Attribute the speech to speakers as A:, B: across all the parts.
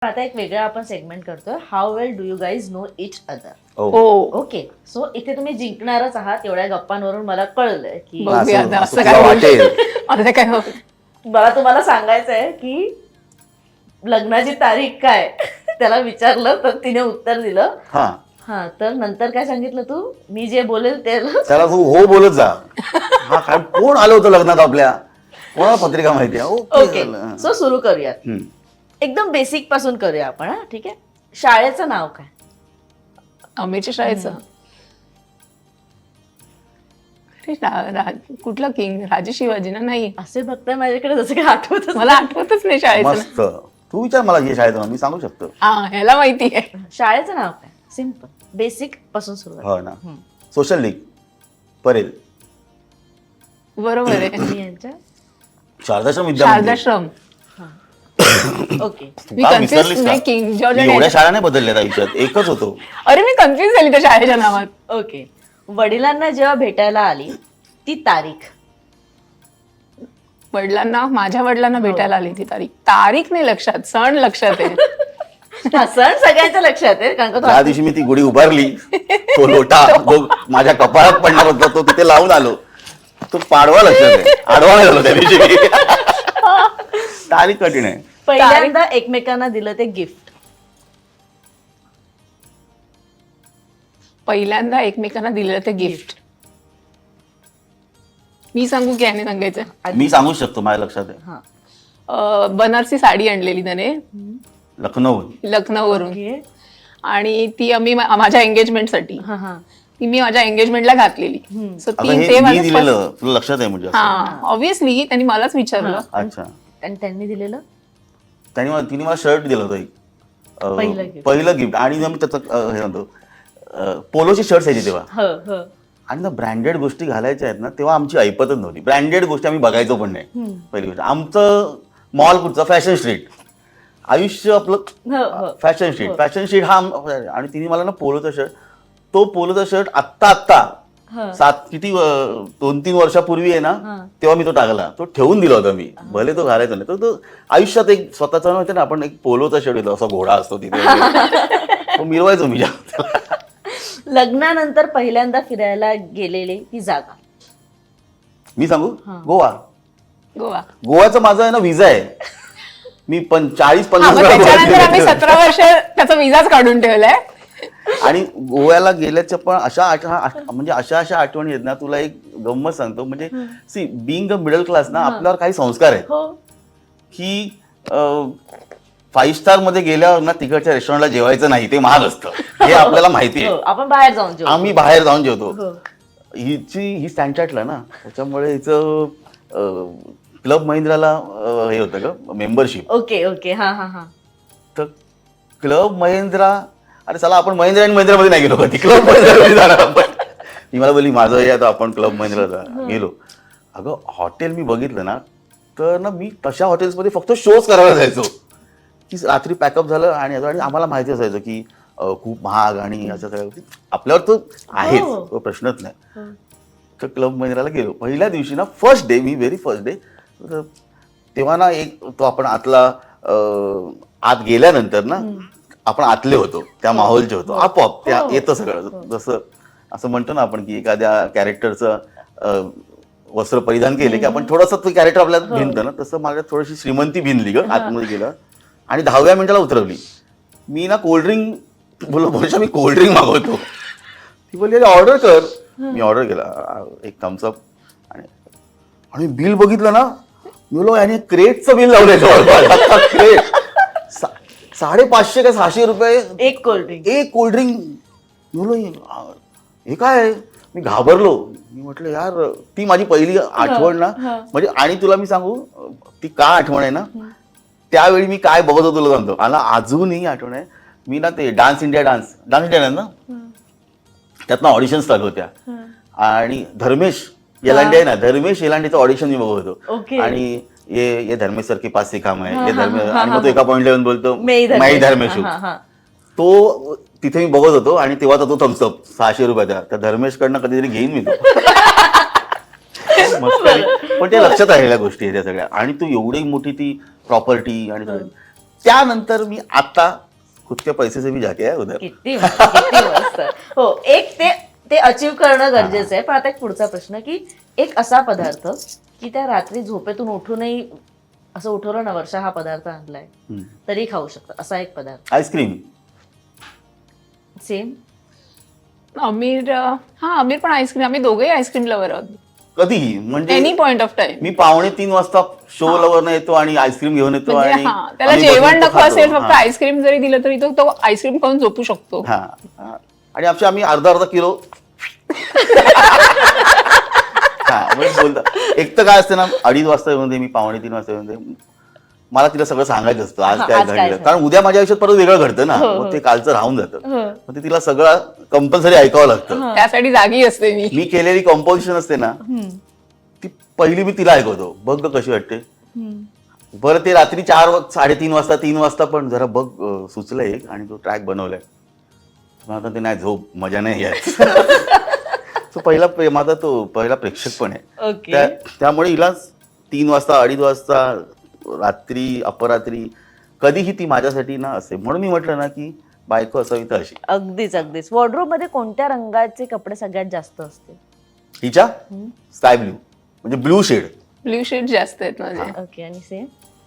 A: आता एक वेगळा आपण सेगमेंट करतोय, how well do you guys know each other. Okay, so इथे तुम्ही जिंकणारच आहात एवढ्या गप्पांवरून मला कळलंय की
B: बघूया आता असं
C: तुला
B: काय
C: वाटेल.
B: आता काय होत.
A: मला तुम्हाला सांगायचंय की लग्नाची तारीख काय त्याला विचारलं तर तिने उत्तर दिलं.
C: हा
A: हा, तर नंतर काय सांगितलं तू, मी जे बोलेल ते
C: त्याला तू हो बोलत जा. हा काय कोण आलं होतं लग्नात आपल्या, कोणाला पत्रिका माहिती आहे.
A: ओके, सो सुरू करूयात. एकदम बेसिक पासून करूया आपण. हा, ठीक आहे. शाळेचं नाव काय?
B: आंबेच्या शाळेचं अरे कुठलं किंग, राजे शिवाजी ना? नाही,
A: असे बघताय माझ्याकडे जसं काही आठवत
B: मला आठवतच नाही शाळेचं
C: मस्त. तू विचार मला हे शाळेत मी सांगू शकतो.
B: हा, ह्याला माहिती आहे.
A: शाळेचं नाव काय? सिम्पल, बेसिक पासून सुरुवात.
C: हो ना. Social league Parel.
B: बरोबर आहे.
A: मी यांच्या
C: शारदाश्रम विद्यामंदिर.
B: शारदाश्रम.
A: ओके,
B: मी
C: का
B: कन्फ्युज
C: विसरलीस का?
B: नाही, किंग जॉर्ज
C: मी
B: आणि-
C: एवढ्या शाळा नाही बदलल्यात आयुष्यात, एकच होतो.
B: अरे मी कन्फ्युज झाली त्या शाळेच्या नावात.
A: ओके. वडिलांना जेव्हा भेटायला आली ती तारीख.
B: माझ्या वडिलांना भेटायला आली ती तारीख नाही लक्षात, सण लक्षात आहे.
A: हा, सण सगळ्यांच्या लक्षात आहे कारण का तो
C: ज्या दिवशी मी ती गुढी उभारली, तो लोटा जो माझ्या कपाळात पडणार होता तो तिथे लावून आलो, तो पाडवा लक्षात आहे. आडवा नाही झालो त्या दिवशी मी. तारीख कठीण आहे.
A: पहिल्यांदा एकमेकांना दिलं ते गिफ्ट.
B: पहिल्यांदा एकमेकांना दिलेलं ते गिफ्ट. मी सांगू की याने सांगायचं?
C: मी सांगू शकतो, माझ्या लक्षात आहे.
A: हा,
B: बनारसी साडी आणलेली त्याने
C: लखनौ.
B: लखनौवरून,
A: ओके.
B: आणि ती आम्ही माझ्या एंगेजमेंटसाठी,
A: हा हा
B: ती मी माझ्या एंगेजमेंटला घातलेली. सो
C: आता
B: ती
C: हे
B: ते
C: मी
B: माझं
C: दिलेलं तुला लक्षात आहे म्हणजे असं?
B: हा, ऑब्विसली त्यांनी मलाच विचारलं.
C: अच्छा.
A: आणि त्यांनी दिलेलं
C: तिने मला शर्ट दिलं होतं एक.
A: पहिलं gift.
C: पहिलं गिफ्ट. आणि मी त्याचं हे म्हणतो पोलोची शर्ट यायची तेव्हा.
A: हो हो.
C: आणि ना ब्रँडेड गोष्टी घालायच्या आहेत ना, तेव्हा आमची ऐपतच नव्हती. ब्रँडेड गोष्टी आम्ही बघायचो पण नाही. पहिली गोष्ट, आमचं मॉल कुठचं, फॅशन स्ट्रीट. आयुष्य
A: हो,
C: आपलं
A: हो.
C: Fashion street. फॅशन स्ट्रीट हा आणि तिने मला ना पोलोचा शर्ट, तो पोलोचा शर्ट आत्ता किती 2-3 वर्षापूर्वी आहे ना, तेव्हा मी तो टाकला. तो ठेवून दिला होता मी, भले तो घालायचा नाही. तो आयुष्यात एक स्वतःचा नव्हतं ना, आपण एक पोलोचा शर्ट येतो, असा घोडा असतो तिथे, तो मिरवायचो मी जास्त.
A: लग्नानंतर पहिल्यांदा फिरायला गेलेली ती जागा.
C: मी सांगू, गोवा.
B: गोवा.
C: गोवाचं माझं आहे ना व्हिसा आहे. मी 40-50
B: हा, मग त्याच्यानंतर आम्ही
C: वेळा
B: 17 वर्ष त्याचा विजाच काढून ठेवलाय.
C: आणि गोव्याला गेल्याच्या पण म्हणजे अशा आठवणी आहेत ना. तुला एक गंमत सांगतो, म्हणजे see being a middle class ना, आपल्यावर काही संस्कार आहेत
A: हो
C: की 5 स्टार मध्ये गेल्यावर ना तिकडच्या रेस्टॉरंटला जेवायचं नाही, ते महाग असतं, हे आपल्याला माहिती
A: हो,
C: आहे.
A: आपण बाहेर जाऊन जेवू.
C: आम्ही बाहेर जाऊन जेवतो.
A: हो.
C: ही स्टँडचार्टला ना, त्याच्यामुळे हिचं क्लब महिंद्राला हे होतं का मेंबरशिप.
A: Okay okay. हा हा हा.
C: तर क्लब महिंद्रा, अरे चला आपण महिंद्रा आणि महिंद्रामध्ये नाही गेलो कधी, क्लब महिंद्रामध्ये जाणार आपण. ती मला बोलली माझं हे आता आपण क्लब महिंद्राला गेलो. अगं हॉटेल मी बघितलं ना, तर ना मी तशा हॉटेल्समध्ये फक्त शोज करायला जायचो की रात्री पॅकअप झालं आणि आम्हाला माहिती असायचं की खूप महाग आणि अशा सगळ्या गोष्टी आपल्यावर तो आहेच, तो प्रश्नच नाही. तर क्लब महिंद्राला गेलो. पहिल्या दिवशी ना, फर्स्ट डे, मी व्हेरी फर्स्ट डे, तेव्हा ना एक तो आपण आत गेल्यानंतर ना, आपण आतले होतो, त्या माहोलचे होतो, आपोआप त्या येतं सगळं. जसं असं म्हणतो ना आपण की एखाद्या कॅरेक्टरचं वस्त्र परिधान केले की आपण थोडंसं तो कॅरेक्टर आपल्याला भिनतं ना, तसं माझ्या थोडीशी श्रीमंती भिनली ग आतमध्ये गेलं. आणि 10व्या मिनिटाला उतरवली. मी ना कोल्ड्रिंक बोलशा मी कोल्ड्रिंक मागवतो. ती बोलली ऑर्डर कर. मी ऑर्डर केला, एक थम्सअप. आणि बिल बघितलं ना, मी बोललो याने क्रेटचं बिल लावलंय क्रेट. 550 का 600 रुपये
A: एक कोल्ड्रिंक.
C: एक कोल्ड्रिंक. मी बोललो हे काय. मी घाबरलो. मी म्हटलं यार, ती माझी पहिली आठवण ना, म्हणजे. आणि तुला मी सांगू ती का आठवण आहे ना, त्यावेळी मी काय बघत होतो तुला सांगतो. मला अजूनही आठवण आहे. मी ना ते डान्स इंडिया ना, त्यातनं ऑडिशन्स चालू होत्या. आणि धर्मेश येलांडे आहे ना, धर्मेश येलांडेचं ऑडिशन मी बघत होतो. आणि ये धर्मेश सर के पास से काम आहे, ये धर्मेश. आणि मग तो एका पॉइंटला येऊन बोलतो माई धर्मेश. तो तिथे मी बघत होतो. आणि तेव्हाचा तो थम्सअप 600 रुपयाचा, त्या धर्मेशकडनं कधीतरी घेईन मी तो. पण ते लक्षात राहिलेल्या गोष्टी आहेत त्या सगळ्या. आणि तू एवढी मोठी ती प्रॉपर्टी आणि त्यानंतर मी आता खुद के पैसे से भी जाके आहे उधर.
A: किती मस्त. हो, एक ते अचीव करणं गरजेचं आहे. पण आता एक पुढचा प्रश्न की एक असा पदार्थ की त्या रात्री झोपेतून उठूनही असं उठवलं ना, वर्षा हा पदार्थ आणलाय तरी खाऊ शकतो, असा एक पदार्थ.
C: आईस्क्रीम.
A: सेम.
B: आमिर पण आईस्क्रीम, आम्ही दोघेही आईस्क्रीम लवर आहोत.
C: कधीही म्हणजे
B: एनी पॉइंट ऑफ टाइम.
C: मी 2:45 वाजता शो लवर येतो आणि आईस्क्रीम घेऊन येतो
B: म्हणजे
C: आणि
B: त्याला
C: आम्ही
B: जेवण
C: बसून
B: नको
C: खातो.
B: असेल, फक्त
C: हा.
B: आईस्क्रीम जरी दिलं तरी तो आईस्क्रीम खाऊन झोपू शकतो.
C: हा. आणि आम्ही अर्धा किलो म्हणजे बोलता. एक तर काय असते ना, 2:30 वाजता येऊन दे, मी 2:45 वाजता येऊन दे, मला तिला सगळं सांगायचं असतं आज काय घडलं, कारण उद्या माझ्या आयुष्यात परत वेगळं घडतं ना, मग ते कालचं राहून जातं. मग ते तिला सगळं कंपल्सरी ऐकावं लागतं.
B: त्यासाठी जागी असते मी.
C: मी केलेली कंपोजिशन असते ना, ती पहिली मी तिला ऐकवतो, बघ ग कशी वाटते. बरं ते रात्री 4-3:30 वाजता 3 वाजता पण जरा बघ सुचलंय एक आणि तो ट्रॅक बनवलाय, आता ते नाही झोप मजा नाही यात. तो माझा तो पहिला प्रेक्षक पण आहे. त्यामुळे हिला 3 वाजता 2:30 वाजता रात्री अपरात्री कधीही ती माझ्यासाठी ना असे. म्हणून मी म्हटलं ना की बायको असावी तर अशी.
A: अगदीच. वॉर्डरोब मध्ये कोणत्या रंगाचे कपडे सगळ्यात जास्त असते?
C: हिच्या स्काय ब्ल्यू, म्हणजे ब्लू शेड.
B: ब्ल्यू शेड जास्त आहेत माझे.
A: ओके. आणि सेम.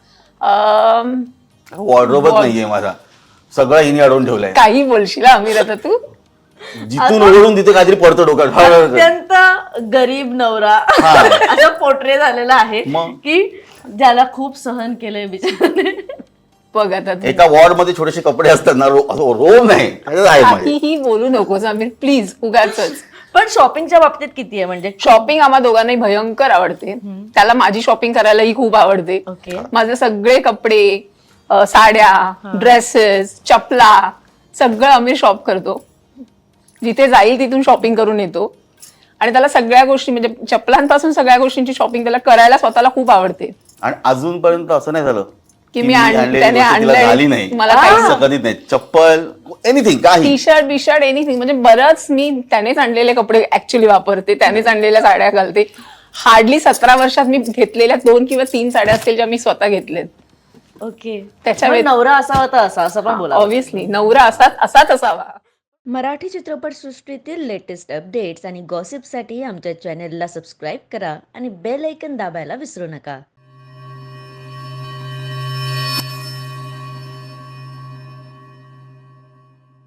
C: वॉर्डरोबच नाहीये माझा, सगळं हिने अडवून ठेवलंय.
B: काही बोलशील आमिर आता तू.
C: जिथून उघडून तिथे काहीतरी पडतो डोक्यात.
A: अत्यंत गरीब नवरा असा पोर्ट्रे झालेला आहे की ज्याला खूप सहन केलंय बिचाराने.
B: बघ आता
C: एका वॉर्ड मध्ये छोटेसे कपडे असतात ना, रोम नाही
B: काहीही बोलू नकोस आमिर प्लीज, उगाचच.
A: पण शॉपिंगच्या बाबतीत किती आहे? म्हणजे
B: शॉपिंग आम्हा दोघांनाही भयंकर आवडते. त्याला माझी शॉपिंग करायलाही खूप आवडते. माझे सगळे कपडे, साड्या, ड्रेसेस, चपला सगळं आम्ही शॉप करतो. जिथे जाईल तिथून शॉपिंग करून येतो. आणि त्याला सगळ्या गोष्टी म्हणजे चपलांपासून सगळ्या गोष्टींची शॉपिंग त्याला करायला स्वतःला खूप आवडते.
C: आणि अजूनपर्यंत असं नाही झालं
B: की मी त्याने
C: झाली नाही,
B: मला
C: कधीच नाही. चप्पल एनिथिंग, काही
B: टी शर्ट बिशर्ट एनिथिंग, म्हणजे बरंच मी त्यानेच आणलेले कपडे ऍक्च्युली वापरते, त्यानेच आणलेल्या साड्या घालते. हार्डली 17 वर्षात मी घेतलेल्या 2 किंवा 3 साड्या असतील ज्या मी स्वतः घेतल्यात.
A: ओके.
B: त्याच्या
A: नवरा असावा तर असं पण बोला.
B: ऑब्व्हियसली नवरा असाच असावा.
A: मराठी चित्रपटसृष्टीतील लेटेस्ट अपडेट्स आणि गॉसिपसाठी आमच्या चॅनेलला सबस्क्राईब करा आणि बेल आयकॉन दाबायला विसरू नका.